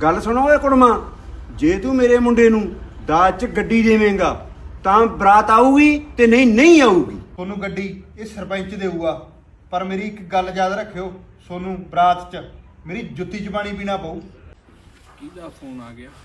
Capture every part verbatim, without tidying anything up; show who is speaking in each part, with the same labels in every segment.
Speaker 1: ਗੱਲ ਸੁਣੋ ਓਏ ਕੁੜਮਾ, ਜੇ ਤੂੰ ਮੇਰੇ ਮੁੰਡੇ ਨੂੰ ਦਾਜ 'ਚ ਗੱਡੀ ਦੇਵੇਂਗਾ ਤਾਂ ਬਰਾਤ ਆਊਗੀ ਤੇ ਨਹੀਂ ਨਹੀਂ ਆਊਗੀ।
Speaker 2: ਤੁਹਾਨੂੰ ਗੱਡੀ ਇਹ ਸਰਪੰਚ ਦੇਊਗਾ, ਪਰ ਮੇਰੀ ਇੱਕ ਗੱਲ ਯਾਦ ਰੱਖਿਓ, ਤੁਹਾਨੂੰ ਬਰਾਤ 'ਚ ਮੇਰੀ ਜੁੱਤੀ 'ਚ ਪਾਣੀ ਪੀਣਾ ਪਊ।
Speaker 3: ਕਿਹਦਾ ਫੋਨ ਆ ਗਿਆ?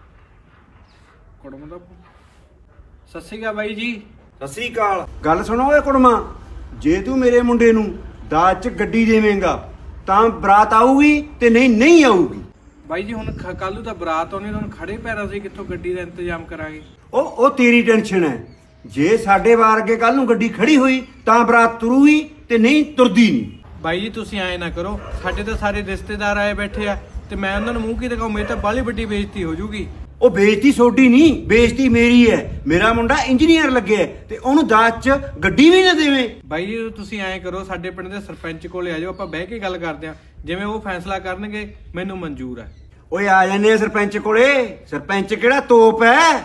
Speaker 3: ਕੁੜਮ ਦਾ। ਸਤਿ ਸ਼੍ਰੀ ਅਕਾਲ ਬਾਈ ਜੀ।
Speaker 1: ਸਤਿ ਸ੍ਰੀ ਅਕਾਲ। ਗੱਲ ਸੁਣੋ ਓਏ ਕੁੜਮਾ, ਜੇ ਤੂੰ ਮੇਰੇ ਮੁੰਡੇ ਨੂੰ ਦਾਜ 'ਚ ਗੱਡੀ ਦੇਵੇਂਗਾ ਤਾਂ ਬਰਾਤ ਆਊਗੀ ਤੇ ਨਹੀਂ ਨਹੀਂ ਆਊਗੀ।
Speaker 3: ਬਾਈ ਜੀ ਹੁਣ ਕੱਲ ਨੂੰ ਤਾਂ ਬਰਾਤ ਆਉਣੀ, ਹੁਣ ਖੜੇ ਪੈਰਾਂ ਸੀ ਕਿੱਥੋਂ ਗੱਡੀ ਦਾ ਇੰਤਜ਼ਾਮ ਕਰਾਂਗੇ?
Speaker 1: ਉਹ ਉਹ ਤੇਰੀ ਟੈਨਸ਼ਨ ਹੈ। ਜੇ ਸਾਡੇ ਵਾਰ ਅੱਗੇ ਕੱਲ ਨੂੰ ਗੱਡੀ ਖੜੀ ਹੋਈ ਤਾਂ ਬਰਾਤ ਤੁਰੂਗੀ ਤੇ ਨਹੀਂ ਤੁਰਦੀ ਨਹੀਂ।
Speaker 3: ਬਾਈ ਜੀ ਤੁਸੀਂ ਐਂ ਨਾ ਕਰੋ, ਸਾਡੇ ਤਾਂ ਸਾਰੇ ਰਿਸ਼ਤੇਦਾਰ ਆਏ ਬੈਠੇ ਆ ਤੇ ਮੈਂ ਉਹਨਾਂ ਨੂੰ ਮੂੰਹ ਕੀ ਦਿਖਾਉਂ? ਮੇਰੀ ਤਾਂ ਬਾਹਲੀ ਵੱਡੀ ਬੇਇੱਜ਼ਤੀ ਹੋ ਜੂਗੀ।
Speaker 1: ਉਹ ਬੇਇੱਜ਼ਤੀ ਸੋਡੀ ਨਹੀਂ, ਬੇਇੱਜ਼ਤੀ ਮੇਰੀ ਹੈ। ਮੇਰਾ ਮੁੰਡਾ ਇੰਜੀਨੀਅਰ ਲੱਗਿਆ ਤੇ ਉਹਨੂੰ ਦਾਜ 'ਚ ਗੱਡੀ ਵੀ ਨਾ ਦੇਵੇਂ।
Speaker 3: ਬਾਈ ਜੀ ਤੁਸੀਂ ਐਂ ਕਰੋ, ਸਾਡੇ ਪਿੰਡ ਦੇ ਸਰਪੰਚ ਕੋਲੇ ਆ ਜਾਓ, ਆਪਾਂ ਬਹਿ ਕੇ ਗੱਲ ਕਰਦੇ ਆਂ। ਜਿਵੇਂ ਉਹ ਫੈਸਲਾ ਕਰਨਗੇ ਮੈਨੂੰ ਮਨਜ਼ੂਰ ਹੈ।
Speaker 1: ਓਏ ਆ ਜਾਂਦੇ ਆ ਸਰਪੰਚ ਕੋਲੇ। ਸਰਪੰਚ ਕਿਹੜਾ ਤੋਪ ਹੈ?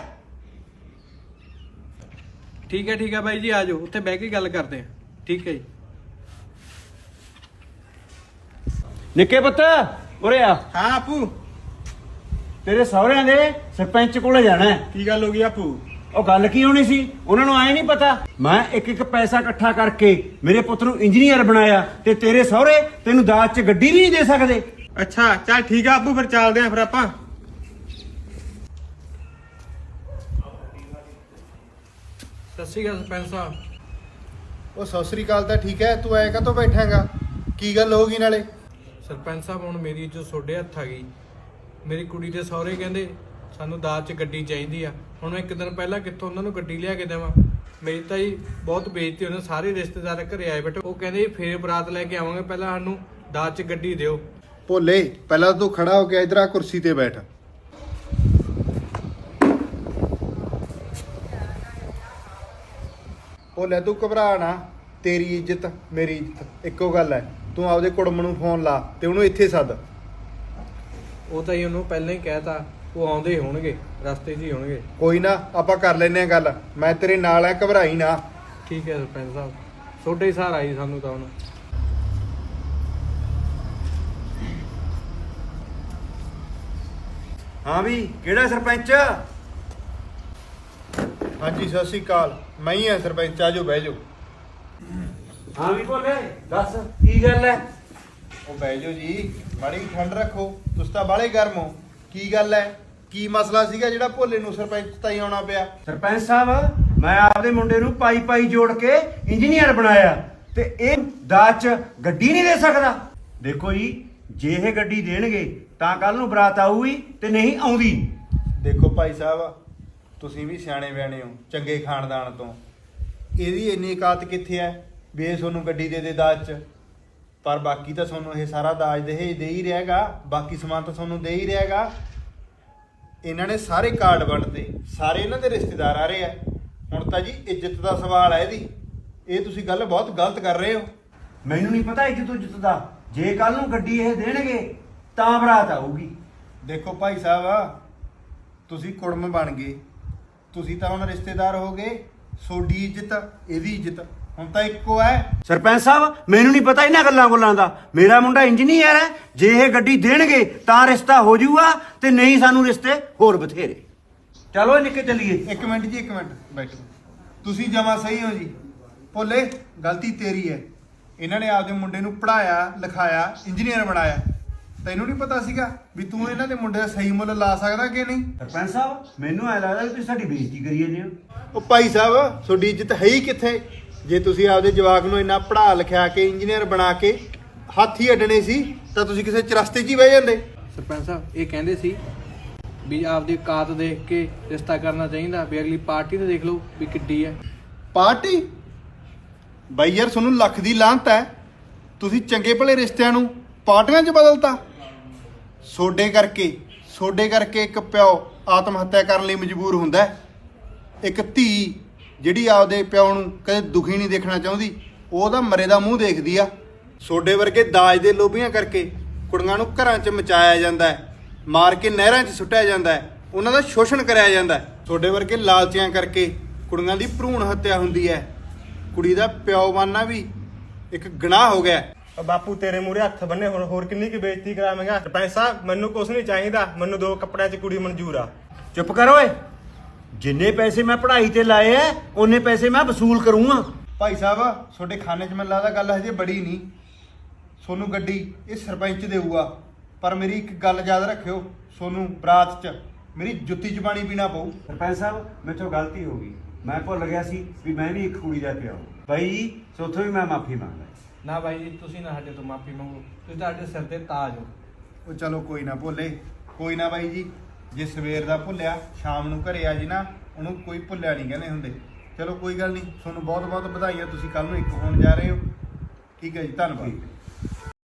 Speaker 3: ਠੀਕ ਹੈ ਠੀਕ ਹੈ ਬਾਈ ਜੀ, ਆ ਜਾਓ, ਉੱਥੇ ਬਹਿ ਕੇ ਗੱਲ ਕਰਦੇ ਆਂ। ਠੀਕ ਹੈ ਜੀ।
Speaker 1: ਨਿੱਕੇ ਪੁੱਤ ਉਰੇ ਆ।
Speaker 2: ਹਾਂ ਆਪੂ,
Speaker 1: ਤੇਰੇ ਸਹੁਰਿਆਂ ਦੇ ਸਰਪੰਚ ਕੋਲੇ ਜਾਣਾ ਹੈ।
Speaker 2: ਕੀ ਗੱਲ ਹੋ ਗਈ ਆਪੂ?
Speaker 1: ਉਹ ਗੱਲ ਕੀ ਹੋਣੀ ਸੀ, ਉਹਨਾਂ ਨੂੰ ਆਏ ਨਹੀਂ ਪਤਾ ਮੈਂ ਇੱਕ ਇੱਕ ਪੈਸਾ ਇਕੱਠਾ ਕਰਕੇ ਮੇਰੇ ਪੁੱਤ ਨੂੰ ਇੰਜੀਨੀਅਰ ਬਣਾਇਆ ਤੇ ਤੇਰੇ ਸਹੁਰੇ ਤੈਨੂੰ ਦਾਜ 'ਚ ਗੱਡੀ ਵੀ ਨਹੀਂ ਦੇ ਸਕਦੇ।
Speaker 2: ਅੱਛਾ ਚੱਲ ਠੀਕ ਆ ਆਪੂ, ਫਿਰ ਚੱਲਦੇ ਆਂ ਫਿਰ ਆਪਾਂ।
Speaker 3: ਸਤਿ ਸ਼੍ਰੀ ਅਕਾਲ ਸਰਪੰਚ ਸਾਹਿਬ।
Speaker 2: ਉਹ ਸਤਿ ਸ੍ਰੀ ਅਕਾਲ ਤਾਂ ਠੀਕ ਹੈ, ਤੂੰ ਐ ਕਾਹਤੋਂ ਬੈਠਾਂਗਾ? ਕੀ ਗੱਲ ਹੋ ਗਈ ਨਾਲੇ?
Speaker 3: ਸਰਪੰਚ ਸਾਹਿਬ ਹੁਣ ਮੇਰੀ ਜੋ ਤੁਹਾਡੇ ਹੱਥ ਆ ਗਈ। ਮੇਰੀ ਕੁੜੀ ਦੇ ਸਹੁਰੇ ਕਹਿੰਦੇ ਸਾਨੂੰ ਦਾਜ 'ਚ ਗੱਡੀ ਚਾਹੀਦੀ ਆ। ਹੁਣ ਮੈਂ ਇੱਕ ਦਿਨ ਪਹਿਲਾਂ ਕਿੱਥੋਂ ਉਹਨਾਂ ਨੂੰ ਗੱਡੀ ਲਿਆ ਕੇ ਦੇਵਾਂ? ਮੇਰੀ ਤਾਂ ਜੀ ਬਹੁਤ ਬੇਇੱਜ਼ਤੀ ਹੋਣੀ। ਸਾਰੇ ਰਿਸ਼ਤੇਦਾਰ ਘਰੇ ਆਏ ਬੈਠੇ, ਉਹ ਕਹਿੰਦੇ ਫੇਰ ਬਰਾਤ ਲੈ ਕੇ ਆਵਾਂਗੇ, ਪਹਿਲਾਂ ਸਾਨੂੰ ਦਾਜ 'ਚ ਗੱਡੀ ਦਿਓ।
Speaker 2: ਭੋਲੇ ਪਹਿਲਾਂ ਤੂੰ ਖੜਾ ਹੋ ਕੇ ਇਧਰ ਆ ਕੁਰਸੀ ਤੇ ਬੈਠ। ਭੋਲੇ ਤੂੰ ਘਬਰਾ ਨਾ, ਤੇਰੀ ਇੱਜ਼ਤ ਮੇਰੀ ਇੱਜ਼ਤ ਇੱਕੋ ਗੱਲ ਹੈ। ਤੂੰ ਆਪਦੇ ਕੁੜਮ ਨੂੰ ਫੋਨ ਲਾ ਤੇ ਉਹਨੂੰ ਇੱਥੇ ਸੱਦ।
Speaker 3: ਉਹ ਤਾਂ ਹੀ ਉਹਨੂੰ ਪਹਿਲਾਂ ਹੀ ਕਹਿਤਾ, ਉਹ ਆਉਂਦੇ ਹੀ ਹੋਣਗੇ, ਰਸਤੇ 'ਚ ਹੀ ਹੋਣਗੇ।
Speaker 2: ਕੋਈ ਨਾ, ਆਪਾਂ ਕਰ ਲੈਨੇ ਆ ਗੱਲ, ਮੈਂ ਤੇਰੇ ਨਾਲ ਆ, ਘਬਰਾਈ ਨਾ।
Speaker 3: ਠੀਕ ਹੈ ਸਰਪੰਚ ਸਾਹਿਬ, ਤੁਹਾਡੇ ਹੀ ਸਹਾਰਾ ਆਈ ਸਾਨੂੰ ਤਾਂ ਹੁਣ।
Speaker 1: ਹਾਂ ਵੀ ਕਿਹੜਾ ਸਰਪੰਚ?
Speaker 2: ਹਾਂਜੀ ਸਤਿ ਸ੍ਰੀ ਅਕਾਲ, ਮੈਂ ਹੀ ਆ ਸਰਪੰਚ, ਆ ਜਾਓ ਬਹਿ ਜਾਓ।
Speaker 1: ਹਾਂ ਵੀ ਬੋਲੇ, ਦੱਸ ਕੀ ਗੱਲ ਹੈ?
Speaker 2: ਉਹ ਬਹਿ ਜਾਓ ਜੀ, ਮਾੜੀ ਜਿਹੀ ਠੰਡ ਰੱਖੋ, ਤੁਸੀਂ ਤਾਂ ਬਾਹਲੇ ਗਰਮ ਹੋ। ਕੀ ਗੱਲ ਹੈ, ਕੀ ਮਸਲਾ ਸੀਗਾ ਜਿਹੜਾ ਭੋਲੇ ਨੂੰ ਸਰਪੰਚ ਤਾਈ ਆਉਣਾ ਪਿਆ?
Speaker 1: ਸਰਪੰਚ ਸਾਹਿਬ, ਮੈਂ ਆਪਦੇ ਮੁੰਡੇ ਨੂੰ ਪਾਈ ਪਾਈ ਜੋੜ ਕੇ ਇੰਜੀਨੀਅਰ ਬਣਾਇਆ ਤੇ ਇਹ ਦਾਜ 'ਚ ਗੱਡੀ ਨਹੀਂ ਦੇ ਸਕਦਾ। ਦੇਖੋ ਜੀ, ਜੇ ਇਹ ਗੱਡੀ ਦੇਣਗੇ ਤਾਂ ਕੱਲ ਨੂੰ ਬਰਾਤ ਆਊਗੀ ਤੇ ਨਹੀਂ ਆਉਂਦੀ।
Speaker 2: ਦੇਖੋ ਭਾਈ ਸਾਹਿਬ, ਤੁਸੀਂ ਵੀ ਸਿਆਣੇ ਬਿਆਣੇ ਹੋ, ਚੰਗੇ ਖਾਨਦਾਨ ਤੋਂ। ਇਹਦੀ ਇੰਨੀ ਔਕਾਤ ਕਿੱਥੇ ਹੈ ਵੀ ਇਹ ਤੁਹਾਨੂੰ ਗੱਡੀ ਦੇ ਦੇ ਦਾਜ 'ਚ? ਪਰ ਬਾਕੀ ਤਾਂ ਤੁਹਾਨੂੰ ਇਹ ਸਾਰਾ ਦਾਜ ਦਹੇਜ ਦੇ ਹੀ ਰਹੇਗਾ, ਬਾਕੀ ਸਮਾਨ ਤਾਂ ਤੁਹਾਨੂੰ ਦੇ ਹੀ ਰਹੇਗਾ। ਇਹਨਾਂ ਨੇ ਸਾਰੇ ਕਾਰਡ ਵੰਡਦੇ, ਸਾਰੇ ਇਹਨਾਂ ਦੇ ਰਿਸ਼ਤੇਦਾਰ ਆ ਰਹੇ ਆ। ਹੁਣ ਤਾਂ ਜੀ ਇੱਜ਼ਤ ਦਾ ਸਵਾਲ ਹੈ ਇਹਦੀ। ਇਹ ਤੁਸੀਂ ਗੱਲ ਬਹੁਤ ਗਲਤ ਕਰ ਰਹੇ ਹੋ।
Speaker 1: ਮੈਨੂੰ ਨਹੀਂ ਪਤਾ ਇੱਜ਼ਤ ਉੱਜਤ ਦਾ। ਜੇ ਕੱਲ ਨੂੰ ਗੱਡੀ ਇਹ ਦੇਣਗੇ ਤਾਂ ਬਰਾਤ ਆਊਗੀ।
Speaker 2: ਦੇਖੋ ਭਾਈ ਸਾਹਿਬ, ਤੁਸੀਂ ਕੁੜਮ ਬਣ ਗਏ, ਤੁਸੀਂ ਤਾਂ ਹੁਣ ਰਿਸ਼ਤੇਦਾਰ ਹੋ ਗਏ। ਤੁਹਾਡੀ ਇੱਜ਼ਤ ਇਹਦੀ ਇੱਜ਼ਤ ਹੁਣ ਤਾਂ ਇੱਕੋ ਹੈ।
Speaker 1: ਸਰਪੰਚ ਸਾਹਿਬ, ਮੈਨੂੰ ਨਹੀਂ ਪਤਾ ਇਹਨਾਂ ਗੱਲਾਂ ਗੁੱਲਾਂ ਦਾ। ਮੇਰਾ ਮੁੰਡਾ ਇੰਜੀਨੀਅਰ ਹੈ, ਜੇ ਇਹ ਗੱਡੀ ਦੇਣਗੇ ਤਾਂ ਰਿਸ਼ਤਾ ਹੋ ਜਾਊਗਾ ਤੇ ਨਹੀਂ ਸਾਨੂੰ ਰਿਸ਼ਤੇ ਹੋਰ ਬਥੇਰੇ। ਚਲੋ ਨਿੱਕੇ ਚੱਲੀਏ।
Speaker 2: ਇੱਕ ਮਿੰਟ ਜੀ, ਇੱਕ ਮਿੰਟ ਬੈਠੋ। ਤੁਸੀਂ ਜਮਾ ਸਹੀ ਹੋ ਜੀ। ਭੋਲੇ ਗਲਤੀ ਤੇਰੀ ਹੈ। ਇਹਨਾਂ ਨੇ ਆਪਦੇ ਮੁੰਡੇ ਨੂੰ ਪੜਾਇਆ ਲਿਖਾਇਆ, ਇੰਜੀਨੀਅਰ ਬਣਾਇਆ। ਤੈਨੂੰ ਨਹੀਂ ਪਤਾ ਸੀਗਾ ਵੀ ਤੂੰ ਇਹਨਾਂ ਦੇ ਮੁੰਡੇ ਦਾ ਸਹੀ ਮੁੱਲ ਲਾ ਸਕਦਾ ਕਿ ਨਹੀਂ?
Speaker 1: ਸਰਪੰਚ ਸਾਹਿਬ, ਮੈਨੂੰ ਐ ਲੱਗਦਾ ਕਿ ਤੁਸੀਂ ਸਾਡੀ ਬੇਇੱਜ਼ਤੀ ਕਰੀ ਜਾਂਦੇ ਹੋ।
Speaker 2: ਉਹ ਭਾਈ ਸਾਹਿਬ, ਤੁਹਾਡੀ ਇੱਜ਼ਤ ਹੈ ਹੀ ਕਿੱਥੇ? ਜੇ ਤੁਸੀਂ ਆਪਦੇ ਜਵਾਕ ਨੂੰ ਇੰਨਾ ਪੜ੍ਹਾ ਲਿਖਿਆ ਕੇ ਇੰਜੀਨੀਅਰ ਬਣਾ ਕੇ ਹੱਥ ਹੀ ਅੱਡਣੇ ਸੀ ਤਾਂ ਤੁਸੀਂ ਕਿਸੇ ਚਰਸਤੇ 'ਚ ਹੀ ਬਹਿ ਜਾਂਦੇ।
Speaker 3: ਸਰਪੰਚ ਸਾਹਿਬ ਇਹ ਕਹਿੰਦੇ ਸੀ ਵੀ ਆਪਦੀ ਔਕਾਤ ਦੇਖ ਕੇ ਰਿਸ਼ਤਾ ਕਰਨਾ ਚਾਹੀਦਾ, ਵੀ ਅਗਲੀ ਪਾਰਟੀ ਤੇ ਦੇਖ ਲਓ ਵੀ ਕਿੱਡੀ ਹੈ
Speaker 2: ਪਾਰਟੀ। ਬਾਈ ਯਾਰ, ਤੁਹਾਨੂੰ ਲੱਖ ਦੀ ਲਾਹਨਤ ਹੈ, ਤੁਸੀਂ ਚੰਗੇ ਭਲੇ ਰਿਸ਼ਤਿਆਂ ਨੂੰ ਪਾਰਟੀਆਂ 'ਚ ਬਦਲਤਾ। ਸੋਡੇ ਕਰਕੇ ਸੋਡੇ ਕਰਕੇ ਇੱਕ ਪਿਓ ਆਤਮ ਹੱਤਿਆ ਕਰਨ ਲਈ ਮਜਬੂਰ ਹੁੰਦਾ ਹੈ। ਇੱਕ ਧੀ ਜਿਹੜੀ ਆਪਦੇ ਪਿਓ ਨੂੰ ਕਦੇ ਦੁਖੀ ਨਹੀਂ ਦੇਖਣਾ ਚਾਹੁੰਦੀ, ਉਹਦਾ ਮਰੇ ਦਾ ਮੂੰਹ ਦੇਖਦੀ ਆ। ਸੋਡੇ ਵਰਗੇ ਦਾਜ ਦੇ ਲੋਭੀਆਂ ਕਰਕੇ ਕੁੜੀਆਂ ਨੂੰ ਘਰਾਂ 'ਚ ਮਚਾਇਆ ਜਾਂਦਾ ਹੈ, ਮਾਰ ਕੇ ਨਹਿਰਾਂ 'ਚ ਸੁੱਟਿਆ ਜਾਂਦਾ ਹੈ, ਉਹਨਾਂ ਦਾ ਸ਼ੋਸ਼ਣ ਕਰਿਆ ਜਾਂਦਾ ਹੈ। ਸੋਡੇ ਵਰਗੇ ਲਾਲਚੀਆਂ ਕਰਕੇ ਕੁੜੀਆਂ ਦੀ ਭਰੂਣ ਹੱਤਿਆ ਹੁੰਦੀ ਹੈ। ਕੁੜੀ ਦਾ ਪਿਓ ਬਣਨਾ ਵੀ ਇੱਕ ਗੁਨਾਹ ਹੋ ਗਿਆ।
Speaker 4: ਉਹ ਬਾਪੂ ਤੇਰੇ ਮੂਹਰੇ ਹੱਥ ਬੰਨੇ ਹੁਣ ਹੋਰ ਕਿੰਨੀ ਕੀ ਬੇਇੱਜ਼ਤੀ ਕਰਾਵੇਂਗਾ। ਸਰਪੰਚ ਸਾਹਿਬ ਮੈਨੂੰ ਕੁਛ ਨਹੀਂ ਚਾਹੀਦਾ, ਮੈਨੂੰ ਦੋ ਕੱਪੜਿਆਂ 'ਚ ਕੁੜੀ ਮਨਜ਼ੂਰ ਆ।
Speaker 1: ਚੁੱਪ ਕਰ ਓਏ। ਜਿੰਨੇ ਪੈਸੇ ਮੈਂ ਪੜ੍ਹਾਈ ਤੇ ਲਾਏ ਐ ਉਹਨੇ ਪੈਸੇ ਮੈਂ ਵਸੂਲ ਕਰੂੰਗਾ।
Speaker 2: ਭਾਈ ਸਾਹਿਬ ਤੁਹਾਡੇ ਖਾਨੇ 'ਚ ਮੈਨੂੰ ਲੱਗਦਾ ਗੱਲ ਹਜੇ ਬੜੀ ਨਹੀਂ। ਸੋਨੂੰ ਗੱਡੀ ਇਹ ਸਰਪੰਚ ਦੇਊਗਾ, ਪਰ ਮੇਰੀ ਇੱਕ ਗੱਲ ਯਾਦ ਰੱਖਿਓ, ਸੋਨੂੰ ਬਰਾਤ 'ਚ ਮੇਰੀ ਜੁੱਤੀ 'ਚ ਪਾਣੀ ਪੀਣਾ ਪਊ।
Speaker 1: ਸਰਪੰਚ ਸਾਹਿਬ ਮੇਥੋਂ ਗਲਤੀ ਹੋ ਗਈ, ਮੈਂ ਭੁੱਲ ਗਿਆ ਸੀ ਵੀ ਮੈਂ ਵੀ ਇੱਕ ਕੁੜੀ ਦਾ ਪਿਓ। ਬਾਈ ਸੋਥੋਂ ਵੀ ਮੈਂ ਮਾਫੀ ਮੰਗਦਾ।
Speaker 3: ਨਾ ਬਾਈ ਜੀ ਤੁਸੀਂ ਨਾ ਸਾਡੇ ਤੋਂ ਮਾਫੀ ਮੰਗੋ, ਤੁਸੀਂ ਤੁਹਾਡੇ ਸਿਰ ਤੇ ਤਾਜ ਹੋ।
Speaker 2: ਉਹ ਚਲੋ ਕੋਈ ਨਾ ਭੁੱਲੇ, ਕੋਈ ਨਾ ਬਾਈ ਜੀ, ਜੇ ਸਵੇਰ ਦਾ ਭੁੱਲਿਆ ਸ਼ਾਮ ਨੂੰ ਘਰੇ ਆ ਜੀ ਨਾ, ਉਹਨੂੰ ਕੋਈ ਭੁੱਲਿਆ ਨਹੀਂ ਕਹਿੰਦੇ ਹੁੰਦੇ। ਚਲੋ ਕੋਈ ਗੱਲ ਨਹੀਂ, ਤੁਹਾਨੂੰ ਬਹੁਤ ਬਹੁਤ ਵਧਾਈਆਂ, ਤੁਸੀਂ ਕੱਲ ਨੂੰ ਇੱਕ ਹੋਣ ਜਾ ਰਹੇ ਹੋ। ਠੀਕ ਹੈ ਜੀ, ਧੰਨਵਾਦ।